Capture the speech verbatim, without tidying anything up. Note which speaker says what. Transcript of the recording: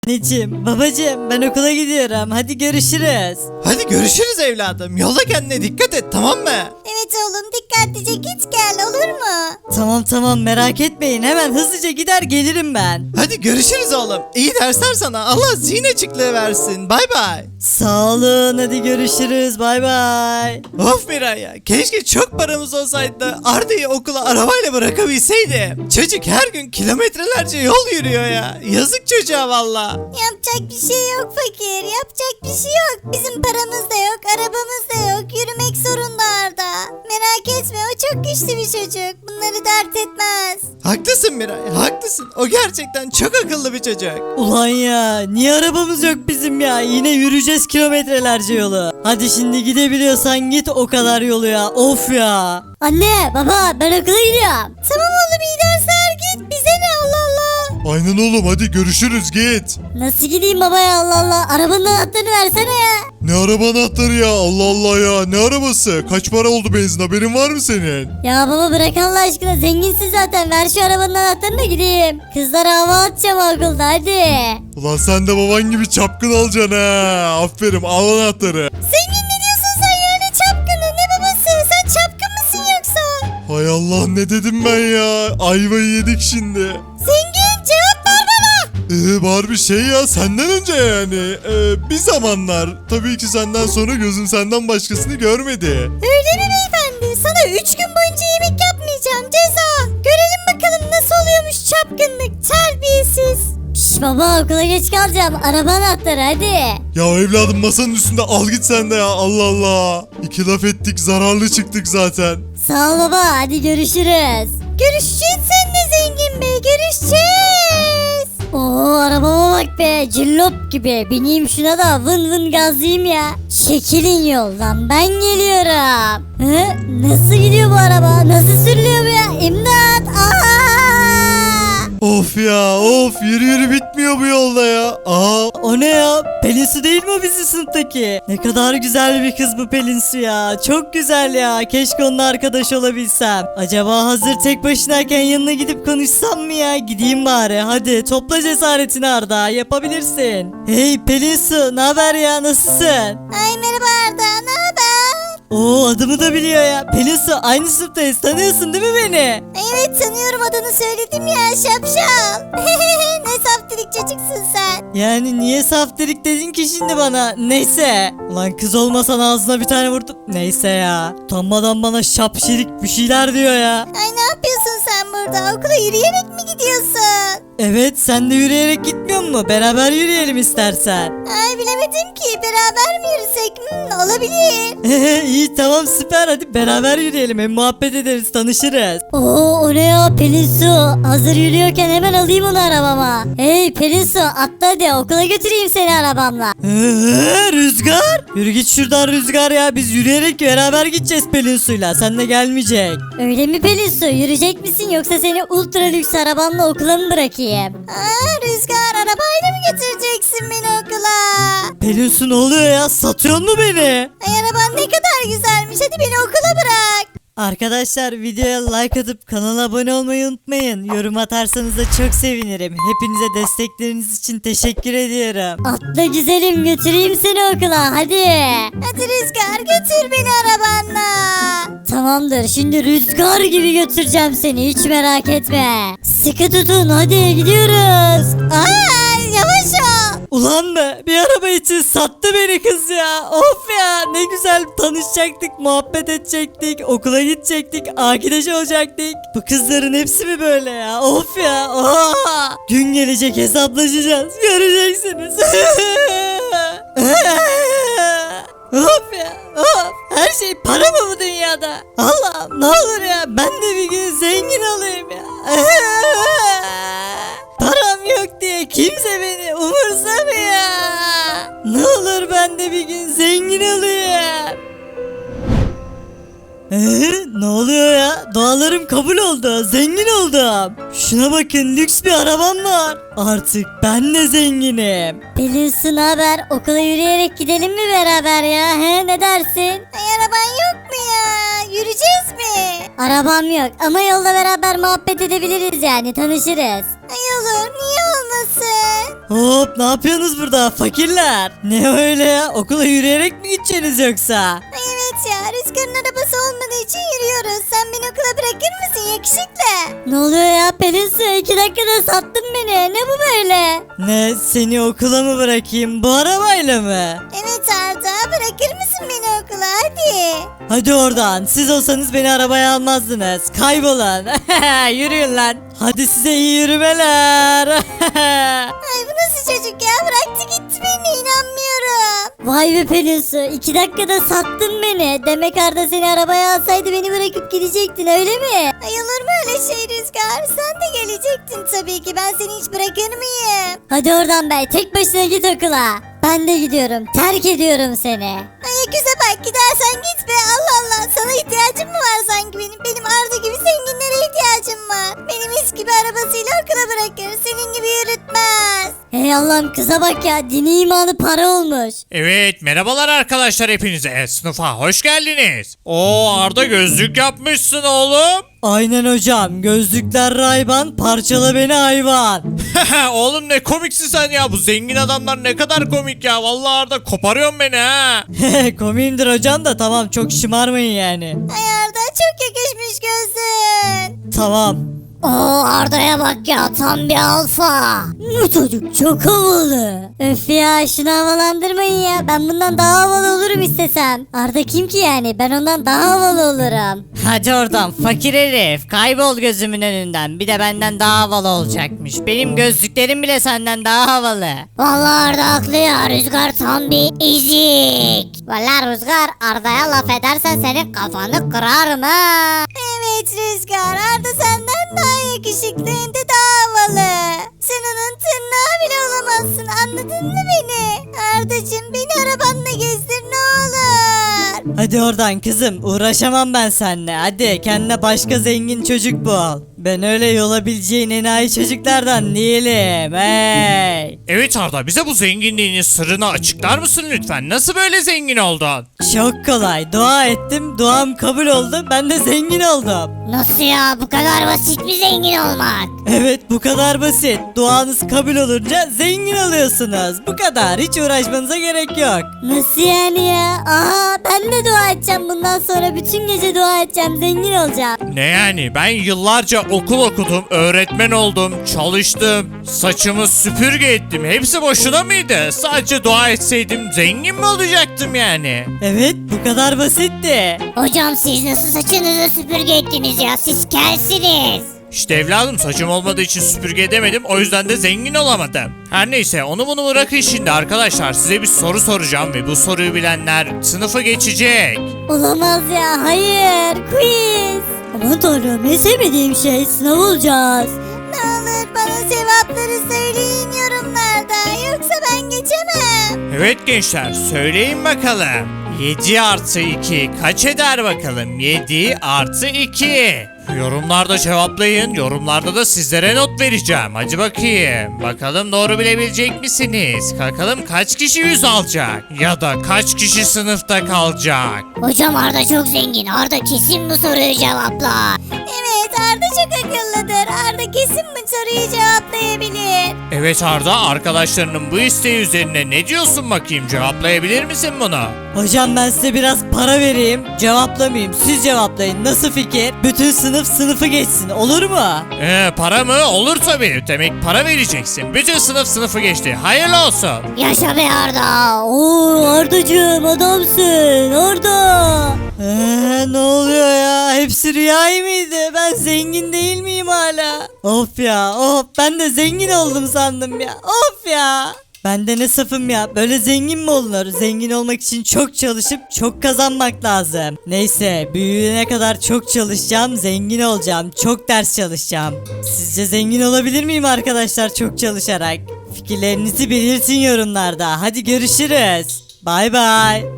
Speaker 1: Anneciğim, babacığım ben okula gidiyorum. Hadi görüşürüz.
Speaker 2: Hadi görüşürüz evladım. Yolda kendine dikkat et, tamam mı?
Speaker 3: Evet oğlum, dikkatlice git gel, olur mu?
Speaker 1: Tamam tamam merak etmeyin. Hemen hızlıca gider gelirim ben.
Speaker 2: Hadi görüşürüz oğlum. İyi dersler sana. Allah zihin açıklığı versin. Bay bay.
Speaker 1: Sağ olun, hadi görüşürüz. Bay bay.
Speaker 2: Of Miray ya. Keşke çok paramız olsaydı da Arda'yı okula arabayla bırakabilseydim. Çocuk her gün kilometrelerce yol yürüyor ya. Yazık çocuğa valla.
Speaker 3: Yapacak bir şey yok fakir, yapacak bir şey yok. Bizim paramız da yok, arabamız da yok. Yürümek zorunda Arda. Merak etme, o çok güçlü bir çocuk. Bunları dert etmez.
Speaker 2: Haklısın Miray, haklısın. O gerçekten çok akıllı bir çocuk.
Speaker 1: Ulan ya, niye arabamız yok bizim ya? Yine yürüyeceğiz kilometrelerce yolu. Hadi şimdi gidebiliyorsan git o kadar yolu ya. Of ya.
Speaker 3: Anne, baba, ben okula gidiyorum. Tamam oğlum, iyi dersler, git. Bize ne, Allah Allah.
Speaker 4: Aynen oğlum, hadi görüşürüz, git.
Speaker 3: Nasıl gideyim baba ya, Allah Allah. Arabanın anahtarını versene ya.
Speaker 4: Ne araba anahtarı ya, Allah Allah ya, ne arabası? Kaç para oldu benzin, haberin var mı senin?
Speaker 3: Ya baba bırak Allah aşkına, zenginsin zaten. Ver şu arabanın anahtarını gideyim. Kızlara hava atacağım okulda, hadi.
Speaker 4: Ulan sen de baban gibi çapkın alacaksın ha. Aferin, al anahtarı.
Speaker 3: Zengin ne diyorsun sen ya, ne çapkını, ne babası? Sen çapkın mısın yoksa?
Speaker 4: Hay Allah, ne dedim ben ya, ayvayı yedik şimdi.
Speaker 3: Zengin, cevap ver bana.
Speaker 4: Ee, var bir şey ya, senden önce yani. Ee, bir zamanlar, tabii ki senden sonra gözüm senden başkasını görmedi.
Speaker 3: Öyle mi beyefendi? Sana üç gün boyunca yemek yapmayacağım, ceza. Görelim bakalım nasıl oluyormuş çapkınlık, terbiyesiz. Şş baba, okula geç kalacağım. Araba anahtarı, hadi.
Speaker 4: Ya evladım, masanın üstünde, al git sen de ya, Allah Allah. İki laf ettik, zararlı çıktık zaten.
Speaker 3: Sağ ol baba, hadi görüşürüz. Görüşeceğiz seninle Zengin Bey, görüşeceğiz. Oo, arabama bak be, cillop gibi. Bineyim şuna da vın vın gazlayayım ya. Çekilin yoldan, ben geliyorum. Hı? Nasıl gidiyor bu araba? Nasıl sürülüyor bu ya? İmdat! Aa!
Speaker 4: Of ya, of, yürü yürü bitmiyor bu yolda ya. Aa,
Speaker 1: O ne ya? Pelin Su değil mi o bizim sınıftaki? Ne kadar güzel bir kız bu Pelin Su ya. Çok güzel ya. Keşke onunla arkadaş olabilsem. Acaba hazır tek başınayken yanına gidip konuşsam mı ya? Gideyim bari. Hadi topla cesaretini Arda. Yapabilirsin. Hey Pelin Su, ne haber ya? Nasılsın?
Speaker 3: Ay merhaba Arda, ne haber?
Speaker 1: Oo, adımı da biliyor ya. Pelin Su, aynı sınıftayız. Tanıyorsun değil mi beni?
Speaker 3: Evet tanıyorum, adını söyledim ya, şapşal. Ne saftirik çocuksun sen.
Speaker 1: Yani niye saftirik dedin ki şimdi bana? Neyse. Ulan kız olmasan ağzına bir tane vurdum. Neyse ya. Utanmadan bana şapşirik bir şeyler diyor ya.
Speaker 3: Ay ne yapıyorsun sen burada? Okula yürüyerek mi gidiyorsun?
Speaker 1: Evet, sen de yürüyerek gitmiyor mu? Beraber yürüyelim istersen.
Speaker 3: Ay bilemedim ki, beraber mi yürüsek? Hmm, olabilir.
Speaker 1: İyi tamam süper, hadi beraber yürüyelim, hem muhabbet ederiz, tanışırız.
Speaker 3: Oo, o ne ya Pelin Su? Hazır yürüyorken hemen alayım onu arabama. Hey Pelin Su, atla hadi, okula götüreyim seni arabamla.
Speaker 1: Ee, Rüzgar? Yürü git şuradan Rüzgar ya, biz yürüyerek beraber gideceğiz Pelin Su'yla, sen de gelmeyecek.
Speaker 3: Öyle mi Pelin Su? Yürüyecek misin yoksa seni ultra lüks arabamla okula mı bırakayım? Aa, Rüzgar, arabayla mı götüreceksin beni okula?
Speaker 1: Pelin Su, ne oluyor ya, satıyor mu beni?
Speaker 3: Ay araban ne kadar güzelmiş, hadi beni okula bırak.
Speaker 1: Arkadaşlar videoya like atıp kanala abone olmayı unutmayın. Yorum atarsanız da çok sevinirim. Hepinize destekleriniz için teşekkür ediyorum.
Speaker 3: Atla güzelim, götüreyim seni okula, hadi. Hadi Rüzgar, götür beni arabanla. Tamamdır, şimdi rüzgar gibi götüreceğim seni, hiç merak etme. Sıkı tutun, hadi gidiyoruz. Ay yavaş ol.
Speaker 1: Ulan be, bir araba için sattı beni kız ya. Of ya, ne güzel tanışacaktık, muhabbet edecektik, okula gidecektik, arkadaş olacaktık. Bu kızların hepsi mi böyle ya? Of ya. Oha! Gün gelecek, hesaplaşacağız. Göreceksiniz. Of ya, of. Her şey para mı bu dünyada? Allah'ım ne olur ya, ben de bir gün zengin olayım ya. Param yok diye kimse beni umursamıyor. Ne olur ben de bir gün zengin olayım. Ee, ne oluyor ya? Dualarım kabul oldu. Zengin oldum. Şuna bakın, lüks bir arabam var. Artık ben de zenginim.
Speaker 3: Pelin Su, ne haber? Okula yürüyerek gidelim mi beraber ya? He, ne dersin? Ay araban yok mu ya? Yürüyeceğiz mi? Arabam yok ama yolda beraber muhabbet edebiliriz yani, tanışırız. Ay olur, niye olmasın?
Speaker 1: Hop, ne yapıyorsunuz burada fakirler? Ne öyle ya, okula yürüyerek mi gideceksiniz yoksa?
Speaker 3: Ay evet ya, Rüzgar'ın arabası olmadığı için yürüyoruz. Sen beni okula bırakır mısın yakışıklı? Ne oluyor ya Pelinsu, iki dakikada sattın beni. Ne bu böyle?
Speaker 1: Ne, seni okula mı bırakayım bu arabayla mı?
Speaker 3: Evet Arda, bırakır mısın beni okula hadi.
Speaker 1: Hadi oradan, siz olsanız beni arabaya almazdınız. Kaybolun. Yürüyün lan. Hadi size iyi yürümeler.
Speaker 3: Ay bu nasıl çocuk ya, bıraktı gitti beni, inanmıyorum. Vay be Pelinsu, iki dakikada sattın beni. Demek Arda seni arabaya alsaydı beni bırakıp gidecektin öyle mi? Ay olur mu öyle şey Rüzgar, sen de gelecektin tabii ki, ben seni hiç bırakır mıyım? Hadi oradan be, tek başına git okula. Ben de gidiyorum, terk ediyorum seni. Ay güzel bak, gidersen git be, Allah Allah, sana ihtiyacım mı var sanki benim? Benim Arda gibi zenginlere ihtiyacım var. Benim mis gibi arabasıyla okula bırakır, senin gibi yürütmez. Hey Allah'ım, kıza bak ya, dini imanı para olmuş.
Speaker 2: Evet, merhabalar arkadaşlar hepinize. Sınıfa hoş geldiniz. Oo, Arda gözlük yapmışsın oğlum.
Speaker 1: Aynen hocam, gözlükler Ray-Ban, parçala beni hayvan.
Speaker 2: Oğlum ne komiksin sen ya. Bu zengin adamlar ne kadar komik ya. Vallahi Arda koparıyorsun beni ha.
Speaker 1: Komiyimdir hocam da tamam, çok şımarmayın yani.
Speaker 3: Ay Arda, çok yakışmış gözün.
Speaker 1: Tamam.
Speaker 3: Oo Arda'ya bak ya, tam bir alfa. Bu çocuk çok havalı. Öf ya, şunu havalandırmayın ya. Ben bundan daha havalı olurum istesem. Arda kim ki yani? Ben ondan daha havalı olurum.
Speaker 1: Hadi oradan fakir herif, kaybol gözümün önünden. Bir de benden daha havalı olacakmış. Benim gözlüklerim bile senden daha havalı.
Speaker 3: Vallahi Arda haklı ya. Rüzgar tam bir ezik. Vallahi Rüzgar, Arda'ya laf edersen senin kafanı kırarım ha. Evet Rüzgar, Arda senden daha yakışıklı, hem de daha havalı. Sen onun tırnağı bile olamazsın, anladın mı beni? Ardacığım, beni arabanla gezdir ne olur.
Speaker 1: Hadi oradan kızım, uğraşamam ben seninle. Hadi kendine başka zengin çocuk bul. Ben öyle yolabileceğin enayi çocuklardan değilim. Hey.
Speaker 2: Evet Arda, bize bu zenginliğinin sırrını açıklar mısın lütfen? Nasıl böyle zengin oldun?
Speaker 1: Çok kolay. Dua ettim, duam kabul oldu. Ben de zengin oldum.
Speaker 3: Nasıl ya, bu kadar basit mi zengin olmak?
Speaker 1: Evet, bu kadar basit. Duanız kabul olunca zengin oluyorsunuz. Bu kadar. Hiç uğraşmanıza gerek yok.
Speaker 3: Nasıl yani ya? Aha, ben de dua edeceğim bundan sonra, bütün gece dua edeceğim, zengin olacağım.
Speaker 2: Ne yani? Ben yıllarca okul okudum, öğretmen oldum, çalıştım, saçımı süpürge ettim. Hepsi boşuna mıydı? Sadece dua etseydim zengin mi olacaktım yani?
Speaker 1: Evet, bu kadar basitti.
Speaker 3: Hocam siz nasıl saçınızı süpürge ettiniz ya? Siz kelsiniz.
Speaker 2: İşte evladım, saçım olmadığı için süpürge edemedim, o yüzden de zengin olamadım. Her neyse, onu bunu bırakın şimdi arkadaşlar, size bir soru soracağım ve bu soruyu bilenler sınıfı geçecek.
Speaker 3: Olamaz ya, hayır, quiz. Aman tanrım, en sevmediğim şey sınav olacağız. Ne olur bana cevapları söyleyin yorumlarda, yoksa ben geçemem.
Speaker 2: Evet gençler, söyleyin bakalım. yedi artı iki kaç eder bakalım? yedi artı iki. Yorumlarda cevaplayın. Yorumlarda da sizlere not vereceğim. Hadi bakayım. Bakalım doğru bilebilecek misiniz? Bakalım kaç kişi yüz alacak? Ya da kaç kişi sınıfta kalacak?
Speaker 3: Hocam Arda çok zengin, Arda kesin bu soruyu cevaplar. Evet, Arda çok akıllıdır, Arda kesin bu soruyu cevaplayabilir.
Speaker 2: Evet Arda, arkadaşlarının bu isteği üzerine ne diyorsun bakayım? Cevaplayabilir misin bunu?
Speaker 1: Hocam ben size biraz para vereyim. Cevaplamayayım. Siz cevaplayın. Nasıl fikir? Bütün sınıf sınıfı geçsin. Olur mu?
Speaker 2: Ee, para mı? Olur tabii. Demek para vereceksin. Bütün sınıf sınıfı geçti. Hayırlı olsun.
Speaker 3: Yaşa be Arda. Oo Ardacığım, adamsın Arda.
Speaker 1: Ee, ne oluyor ya? Hepsi rüyayı mıydı? Ben zengin değil miyim hala? Of ya, of. Ben de zengin oldum sandım ya. Of ya. Ben de ne safım ya. Böyle zengin mi olunur? Zengin olmak için çok çalışıp çok kazanmak lazım. Neyse, büyüyene kadar çok çalışacağım, zengin olacağım. Çok ders çalışacağım. Sizce zengin olabilir miyim arkadaşlar çok çalışarak? Fikirlerinizi belirtin yorumlarda. Hadi görüşürüz. Bay bay.